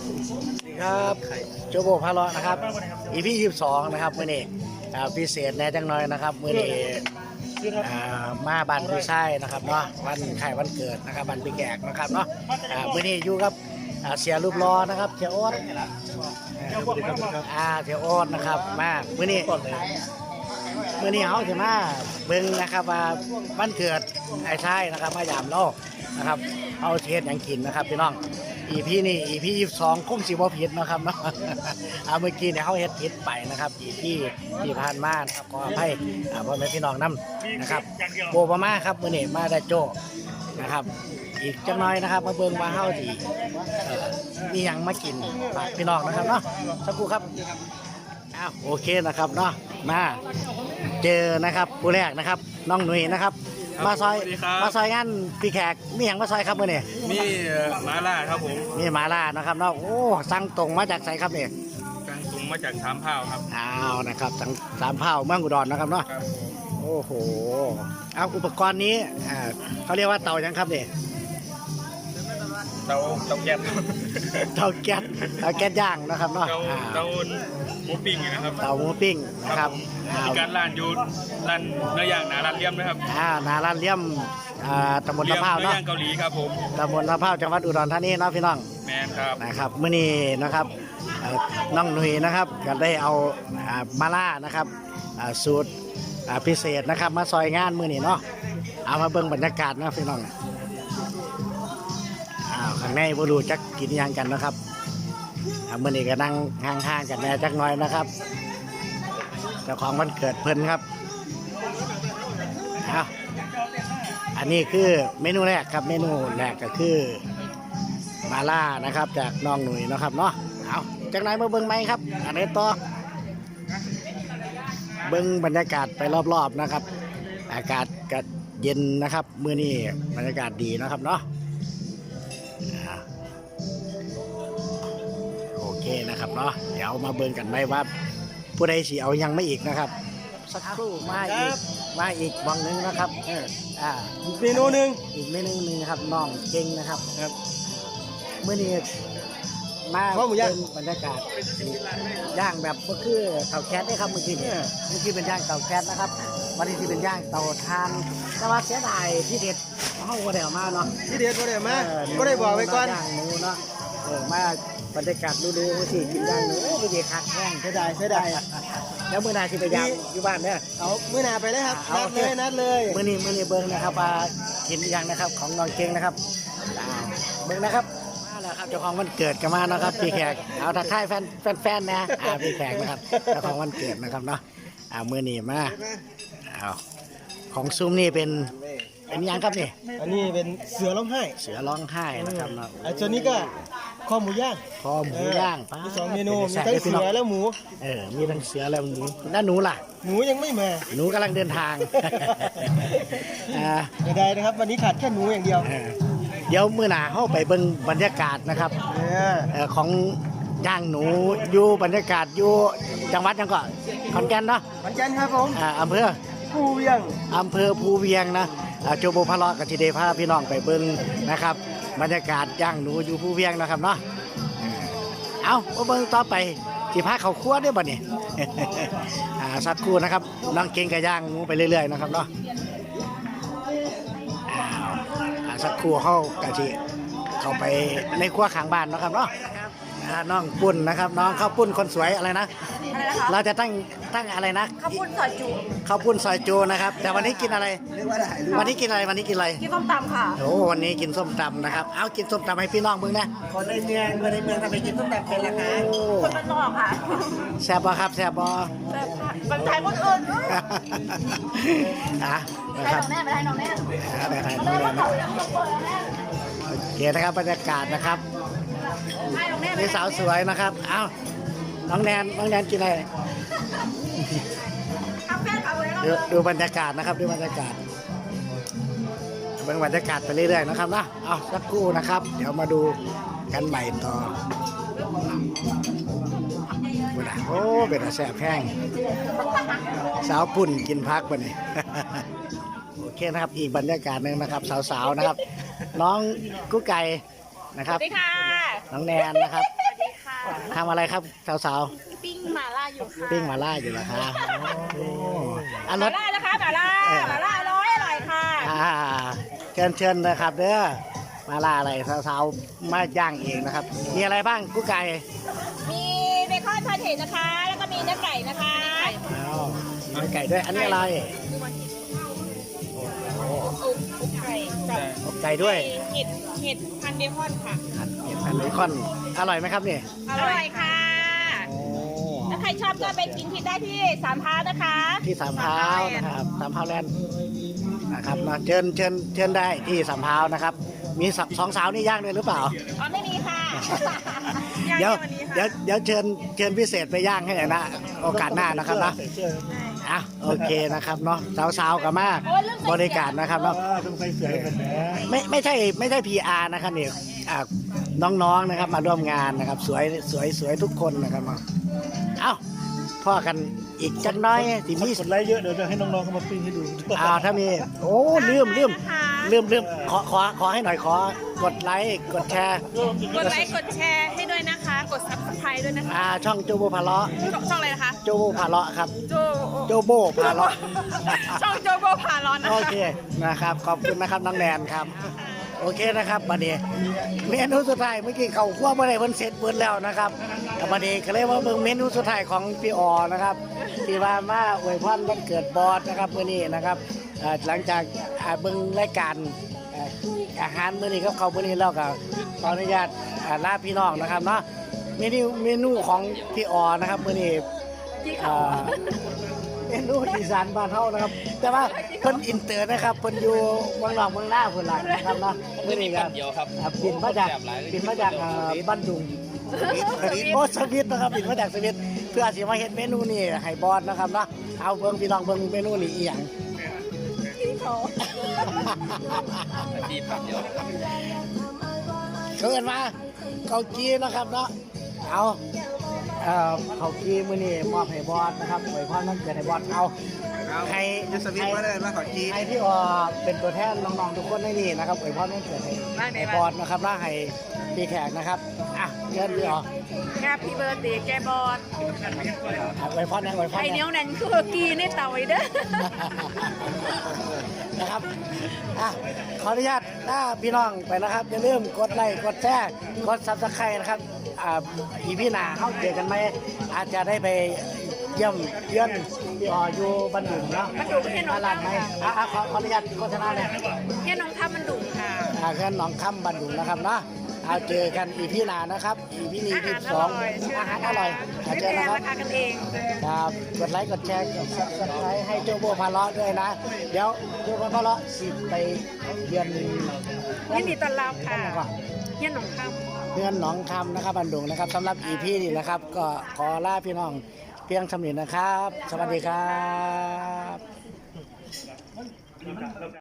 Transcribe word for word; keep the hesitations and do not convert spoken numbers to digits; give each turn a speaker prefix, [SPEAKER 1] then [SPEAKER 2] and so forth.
[SPEAKER 1] ครับโจโบพาเลาะนะครับ อีพียี่สิบสองนะครับมื่อนี้พิเศษแน่จังน้อยนะครับมื่อนี้มาบันพี่ชายนะครับเนาะวันไข่วันเกิดนะครับบันพี่แขกนะครับเนาะมื่อนี้อยู่กับเสียรูปล้อนะครับเสียโอ๊ตอ่าเสียโอ๊ตนะครับมามื่อนี้มื่อนี้เขาจะมาเบิ้งนะครับว่าวันเกิดไอ้ชายนะครับมายามเรานะครับเอาเทศอย่างกินนะครับพี่น้องอีพีนี่อีพียี่สิบสองคงสิบ่ผิดนะครับเนาะเอาเมื่อกี้เนี่ยเขาเฮ็ดผิดไปนะครับอีพีที่ผ่านมานะครับขออภัยพ่อแม่พี่น้องนำนะครับโบประมาครับมื้อนี้มาได้โจนะครับอีกจังน้อยนะครับมาเบิ่งมาเฮาที่มีหยังมากินฝากพี่น้องนะครับเนาะสักครู่ครับอ้าวโอเคนะครับเนาะมาเจอนะครับผู้แรกนะครับน้องหนุ่ยนะครับมาซอยมาซอยงานพี่แขกมีอย่างมาซอยครับมื่อนี้
[SPEAKER 2] มีมาล่าครับผม
[SPEAKER 1] มีมาล่านะครับเนาะโอ้สั่งตรงมาจากไสครับเนี่ย
[SPEAKER 2] สั่งตรงมาจากสามเผาครับ
[SPEAKER 1] อ้าวนะครับสั่งสามเผาเมืองอุดรนะครับเนาะโอ้โหเอาอุปกรณ์นี้อ่าเขาเรียกว่าเตายังครับเนี่ย
[SPEAKER 2] เตาเตาแก๊ส
[SPEAKER 1] เตาแก๊สเตาแก๊สย่างนะครับเนาะ
[SPEAKER 2] เตาหมูปิ้งนะครับ
[SPEAKER 1] เตาหมูปิ้งนะครับ
[SPEAKER 2] มีการร้านอยู่ร้านเนื้อย่างนาร้านเลี่ยมนะครับ
[SPEAKER 1] อ่านาร้านเลี่ยมอ่าตำบลตะเภาเนาะ
[SPEAKER 2] เนื้อย่างเกาหลีครับผม
[SPEAKER 1] ตำบลตะเภาจังหวัดอุดรธานีเนาะพี่น้อง
[SPEAKER 2] แมนครับ
[SPEAKER 1] นะครับมื้อนี้นะครับน้องหนุ่ยนะครับก็ได้เอามาล่านะครับสูตรพิเศษนะครับมาซอยงานมื้อนี้เนาะเอามาเบิ่งบรรยากาศนะพี่น้องอ้าวข้างในบ่รู้จักกินยังกันนะครับมื้อนี้ก็นั่งห่างๆกันแน่จักหน่อยนะครับเจ้าของวันเกิดเพิ่นครับอ้าวอันนี้คือเมนูแรกครับเมนูแรกก็คือมาล่านะครับจากน้องหนุ่ยนะครับเนาะเอาจากไหนมาเบิ้งไหมครับอันนี้ต่อเบิ้งบรรยากาศไปรอบๆนะครับอากาศก็เย็นนะครับมื้อนี้บรรยากาศดีนะครับเนาะโอเคนะครับเนาะเดี๋ยวมาเบิ้งกันไหมว่าผู้ใดสิเอายังไม่อีกนะครับสักครู่มาอีกมาอีกวังนึงนะครับอ่า
[SPEAKER 2] อีกเมนูหนึ่ง
[SPEAKER 1] อีกเมนูหนึ่งครับน้องเก่งนะครับครับเมื่อนี้มาเป็นบรรยากาศย่างแบบก็คือเตาแก๊สได้ครับเมื่อกี้เมื่อกี้เป็นย่างเตาแก๊สนะครับวันนี้ที่เป็นย่างเตาถ่านแต่ว่าเสียดายที่เด็ดเขาก็ได้ออกมาเนาะ
[SPEAKER 2] ที่เด็ดก็ได้มาก็ได้บอกไว้ก่อน
[SPEAKER 1] ย่างหมูเนาะเออมาบรรยากาศดูๆสิกินย่างหมูไปเด็ดคักแห้งเสียดายเสียดายแล้วมื่อนาที่ไปยามอยู่บ้านเนี่ย
[SPEAKER 2] เอามื่อนาไปเลยครับนัดเลยนัดเลย
[SPEAKER 1] มื่อนี้มื่อนี้เบิ้งนะครับมากินอย่างนะครับของน้องเก่งนะครับเบิ้งนะครับมาแล้วครับเจ้าของวันเกิดกันมานะครับพี่แขกเอาทักทายแฟนแฟนๆนะอ่าพี่แขกนะครับเจ้าของวันเกิดนะครับเนาะอ่ามื่อนี้มาเอาของซุ้มนี่เป็นเป็นยังครับนี่
[SPEAKER 2] อันนี้เป็นเสือร้องไห้
[SPEAKER 1] เสือร้องไห้นะครับเนาะ
[SPEAKER 2] ไอ้ตัวนี้ก็ข้อหมูย่าง
[SPEAKER 1] คอหมูย่าง
[SPEAKER 2] มีสองเมนูมีทั้งเสือแล้วหมู
[SPEAKER 1] เออมีทั้งเสือแล้วหมูแล้วหนูล่ะ
[SPEAKER 2] หนูยังไม่มา
[SPEAKER 1] หนูกำลังเดินทาง
[SPEAKER 2] อ่าไม่ได้นะครับวันนี้ขาดแค่หนูอย่างเดียว
[SPEAKER 1] เดี๋ยวมื้อหน้าเข้าไปเบิ่งบรรยากาศนะครับของย่างหนูอยู่บรรยากาศอยู่จังหวัดยังก่อนขอนแก่นเนาะ
[SPEAKER 2] ขอนแก่นครับผม
[SPEAKER 1] อ่าอำเภอ
[SPEAKER 2] ภูเวียง
[SPEAKER 1] อำเภอภูเวียงนะโจโบพะเลาะกับทีเดพาพี่น้องไปเบิ่งนะครับบรรยากาศย่างหนูอยู่ภูเวียงนะครับเนาะเอาเบิ่งต่อไปสิพาเขาคั่วได้บ่เนี่ยสักครู่นะครับน้องเก่งกับย่างหมูไปเรื่อยๆนะครับเนาะสักครู่เขากะทิเข้าไปในครัวข้างบ้านนะครับเนาะน้องปุ้นนะครับน้องข้าวปุ้นคนสวยอะไรนะเราจะตั้งตั้งอะไรนะ
[SPEAKER 3] ข้าวปุ้นซอยจู
[SPEAKER 1] ข้าวปุ้นซอยจูนะครับแต่วันนี้กินอะไรวันนี้กินอะไรวันนี้กินอะไร
[SPEAKER 3] กินส้มตำค่ะ
[SPEAKER 1] โอ้วันนี้กินส้มตำนะครับเอากินส้มตำให้พี่น้องเบิ่งนะ
[SPEAKER 3] คนในเมืองคนในเมืองทำไมกินส้มตำเป็นล่ะคะคนบ้านนอกค่ะ
[SPEAKER 1] แซ่บบ่ครับแซ่บบ่
[SPEAKER 3] แซ่บค่ะคนไทยคนอื่น
[SPEAKER 1] อ่ะนะครับ
[SPEAKER 3] แม่ไปให้น้องแม่
[SPEAKER 1] ไปให้น้องแม่โอเคนะครับบรรยากาศนะครับนี่สาวสวยนะครับเอ้าน้องแนนน้องแนนกินอะไรดูดูบรรยากาศนะครับดูบรรยากาศเบิ่งบรรยากาศไปเรื่อยๆนะครับนะเอาสักครู่นะครับเดี๋ยวมาดูกันใหม่ต่อโอ้เป็นอาแซ่บแห้งสาวปุ่นกินพักไปนี่โอเคนะครับอีกบรรยากาศหนึ่งนะครับสาวๆนะครับน้องกุ๊กไก่นะครับ
[SPEAKER 3] สวัสดีค่ะ
[SPEAKER 1] น้องแนนนะครับ
[SPEAKER 3] สวัสดี
[SPEAKER 1] ทำอะไรครับสาว
[SPEAKER 4] ปิ้งหม่าล่าอยู่ค่ะ
[SPEAKER 1] ๆปิ้งหมาล่าอยู่เหรอคะโอ้อัน
[SPEAKER 4] ห
[SPEAKER 1] ร
[SPEAKER 4] ม่า
[SPEAKER 1] ถ
[SPEAKER 4] ล่านะคะหม่าล่าหม่าล่าอร่อยอร่อยค่ะ
[SPEAKER 1] อ่าเชิญเชิญนะครับเด้อหมาล่าอะไรสาวๆมาย่างเองนะครับ มีอะไรบ้างกุ๊กไก่
[SPEAKER 4] มีเบคอนพาเทนะคะ แล้วก็มีเนื้อไก่นะคะ
[SPEAKER 1] อ้าวมีไก่ด้วยอันนี้อะไร
[SPEAKER 4] อุกอุกไก่กับ
[SPEAKER 1] อกไก่ด้วย
[SPEAKER 4] เห็ดเห็ดพันเบคอนค่ะ
[SPEAKER 1] อันนี้อันเบคอนอร่อยไหมครับนี่
[SPEAKER 4] อร่อยค่ะ
[SPEAKER 1] โอ้
[SPEAKER 4] ถ้าใครชอบก็ไปกินที่ได้ที่สามพร้าวนะคะ
[SPEAKER 1] ที่สามพร้าวนะครับสามพร้าวแลนด์นะครับมาเชิญเชิญเชิญได้ที่สามพร้าวนะครับ มีสสองสาวนี่ย่างด้วยหรือเปล่า
[SPEAKER 4] อ๋อไม่มีค่ะ
[SPEAKER 1] เดี๋ยวเดี๋ยวเดี๋ยวเชิญเชิญพิเศษไปย่างให้หน่อยนะโอกาสหน้านะครับนะ
[SPEAKER 2] ใส่เสื้อ
[SPEAKER 1] อ่ะโอเคนะครับเนาะสาวๆกับมากบริการนะครับเนาะ
[SPEAKER 2] อ่าต้องใส่เสื้อกันนะ
[SPEAKER 1] ไม่ไม่ใช่ไม่ใช่ พี อาร์ นะครับเนี่ยอ่ะน้องๆนะครับมาร่วมงานนะครับสวยสวยสวยทุกคนนะครับเนาะเอ้าพ่อกันอีกจักหน้อยสิมี
[SPEAKER 2] กดไลค์เยอะเดี๋ยวจะให้น้องๆเขามาปิ้งให้ดู
[SPEAKER 1] อ้าวถ้ามีโอ้ลืมลืมลืมลืมขอขอขอให้หน่อยขอกดไลค์กดแชร์
[SPEAKER 4] กดไลค์กดแชร์ให้ด้วยนะคะ กดซับสไครต์ด้วยนะคะ
[SPEAKER 1] อ่าช่องโจโบพาเลาะ
[SPEAKER 4] ช่องอะไรนะคะ
[SPEAKER 1] โจโบพาเลาะครับ
[SPEAKER 4] โจ
[SPEAKER 1] โจโบพาเลาะ
[SPEAKER 4] ช่องโจโบพาร้อนนะ
[SPEAKER 1] โอ
[SPEAKER 4] คะ
[SPEAKER 1] เคนะครับขอบคุณนะครับน้องแนนครับโอเคนะครับบัดนี้เมนูสุดท้ายเมื่อกี้เขาคั่วเมื่อไรเพิ่นเสร็จเบิดแล้วนะครับแต่บัดนี้ก็เลยว่าเบิ่งเมนูสุดท้ายของพี่ออนะครับที่ว่ามาอวยพรวันเกิดบอสนะครับมื้อนี้นะครับเอ่อหลังจากอ่าเบิ่งรายการเอ่ออาหารมื้อนี้กับเขาวมื้อนี้แล้วก็ขออนุญาตอ่าลาพี่น้องนะครับเนาะเมนูเมนูของพี่ออนะครับมื้อนี้เอ่อ เมนูอีสานบ้านเฮานะครับ แต่ว่าเพิ่นอินเตอร์นะครับเพิ่นอยู่เมืองนอกเมืองหน้าเพิ่นหลังนะครับเนาะมื้อนี้ครับอ่าบินมาจากบินมาจากอ่าบ้านดุงโอ้สวิตนะครับบินมาจากสวิตเพื่อสิมาเฮ็ดเมนูนี้ให้บอสนะครับเนาะเอาเบิ่งพี่น้องเบิ่งเมนูนี้อีหยังเกินมาเกาจีนะครับเนาะเอาเอ่อเขากีมือนี่มอบให้บอสนะครับไว้พรมันเกิดให้บอสเอาให้
[SPEAKER 3] ยูสวิตมาเลยมาขอจี
[SPEAKER 1] ให้พี่ออเป็นตัวแทนน้องๆทุกคนในนี่นะครับไว้พรมันเกิดให้ให้บอสนะครับแล้วให้พี่แขกนะครับอ่ะเชิญพี่ออ
[SPEAKER 4] แฮปปี้เบิร์ดเดย์แกบอส
[SPEAKER 1] อ่ะไว้พรนะไว้พร
[SPEAKER 4] ไอ
[SPEAKER 1] นะ
[SPEAKER 4] เนี้ยวนั่นคือกีในเตาไว้เด้อ
[SPEAKER 1] นะครับอ่ะขออนุญาตลาพี่น้องไปนะครับอย่าลืมกดไลค์กดแชร์กดซับสไครต์นะครับอ่าอีพี่หนาเข้าเจอกันไหมอาจจะได้ไปเยี่ยมเยือนพี่อออยู่บันดุงเนาะ
[SPEAKER 4] บันดุงเฮียหนอง
[SPEAKER 1] ตลาดไหม
[SPEAKER 4] คำค่ะ
[SPEAKER 1] อ่ะอ่ะขอขออนุญาตโฆษณาเลย
[SPEAKER 4] เฮียน้องท่ามันดุค่ะ
[SPEAKER 1] อ่าเพื่อนหนองคำบันดุงนะครับเนาะเอาเจอกันอีพี่หนานะครับอีพี่นี้
[SPEAKER 4] อา
[SPEAKER 1] ที่
[SPEAKER 4] หารอ
[SPEAKER 1] สอง
[SPEAKER 4] ร่อย
[SPEAKER 1] อาหารอร่อยเอา
[SPEAKER 4] ไม่
[SPEAKER 1] เจ
[SPEAKER 4] แพ
[SPEAKER 1] อนะ
[SPEAKER 4] ง
[SPEAKER 1] ครับ
[SPEAKER 4] ราคากันเอง
[SPEAKER 1] ครับกดไลค์กดแชร์กดซับสไครต์ให้โจโบพาเลาะด้วยนะ เดี๋ยวโจโบพาเลาะสิไปเยือน
[SPEAKER 4] ยินดีต้อนรับค่ะ
[SPEAKER 1] นั่นก่อน
[SPEAKER 4] เฮียน้องท่า
[SPEAKER 1] เพื่อนหนองคำนะครับบันดุงนะครับสำหรับอีพีนี้นะครับ ก็ขอลาพี่น้องเพียงสำเร็จนะครับ สวัสดีครับ